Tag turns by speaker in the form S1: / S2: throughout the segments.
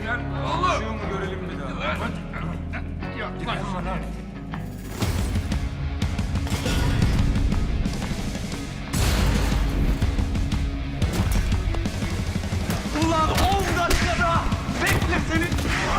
S1: gel.
S2: Konuşuyor mu görelim bir daha.
S3: Ulan 10 dakikada bekle seni.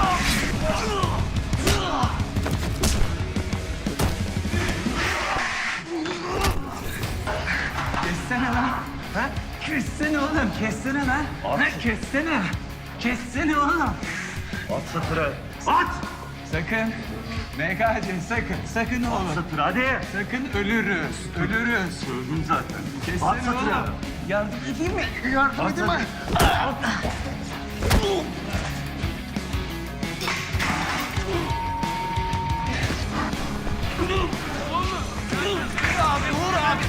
S3: Kessene lan. Ha? Kessene oğlum, kessene lan. Ha, kessene. Kessene oğlum.
S4: At satıra.
S3: At! Sakın. MKC sakın. Sakın oğlum.
S4: Satıra hadi.
S3: Sakın ölürüz. Ölürüz.
S4: Öldüm zaten.
S3: Kessene
S4: At satıra.
S3: oğlum. Yardım edeyim mi? Yardım edeyim mi? Abi vur abi.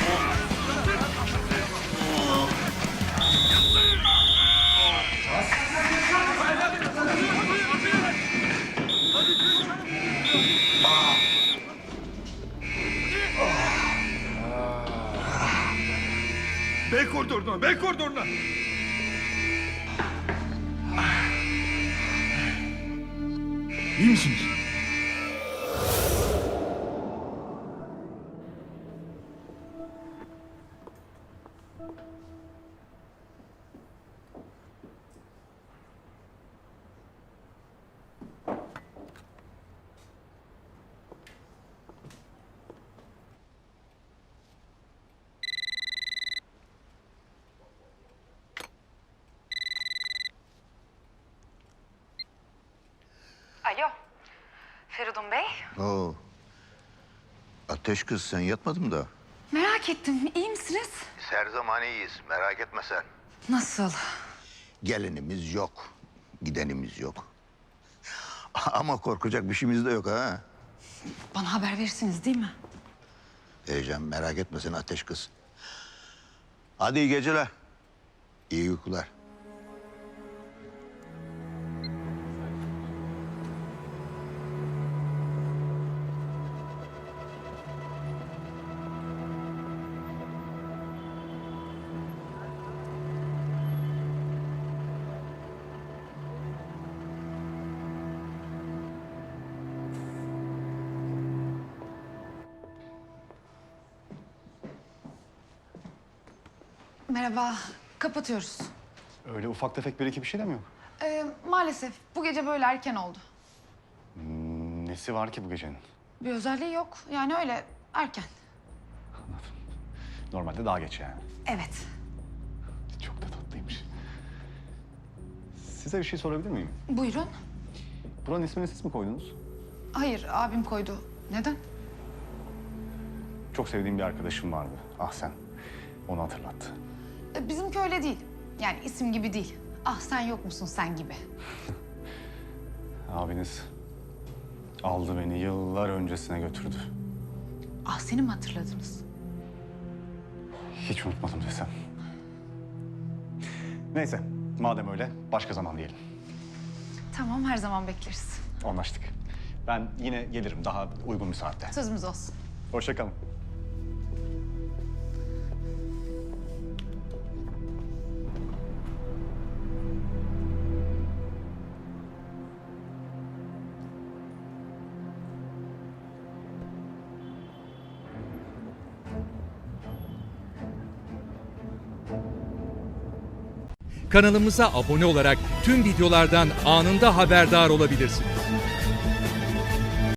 S1: B koridoruna, B koridoruna. İyi misiniz?
S5: Alo, Feridun Bey.
S6: Oo. Ateş kız sen yatmadın mı da?
S5: Merak ettim, iyi misiniz?
S6: Biz her zaman iyiyiz merak etme sen.
S5: Nasıl?
S6: Gelenimiz yok. Gidenimiz yok. Ama korkacak bir şeyimiz de yok ha.
S5: Bana haber verirsiniz değil mi?
S6: Vereceğim merak etme sen Ateş kız. Hadi iyi geceler. İyi uykular.
S5: Merhaba, kapatıyoruz.
S7: Öyle ufak tefek bir iki bir şey de mi yok?
S5: Maalesef bu gece böyle erken oldu.
S7: Nesi var ki bu gecenin?
S5: Bir özelliği yok, yani öyle erken.
S7: Normalde daha geç yani.
S5: Evet.
S7: Çok da tatlıymış. Size bir şey sorabilir miyim?
S5: Buyurun.
S7: Buranın ismini siz mi koydunuz?
S5: Hayır, abim koydu. Neden?
S7: Çok sevdiğim bir arkadaşım vardı. Ah sen. Onu hatırlattı.
S5: Bizimki öyle değil. Yani isim gibi değil. Ah sen yok musun sen gibi.
S7: Abiniz aldı beni yıllar öncesine götürdü.
S5: Ah seni mi hatırladınız?
S7: Hiç unutmadım desem. Neyse, madem öyle başka zaman diyelim.
S5: Tamam, her zaman bekleriz.
S7: Anlaştık. Ben yine gelirim daha uygun bir saatte.
S5: Sözümüz olsun.
S7: Hoşça kalın.
S8: Kanalımıza abone olarak tüm videolardan anında haberdar olabilirsiniz.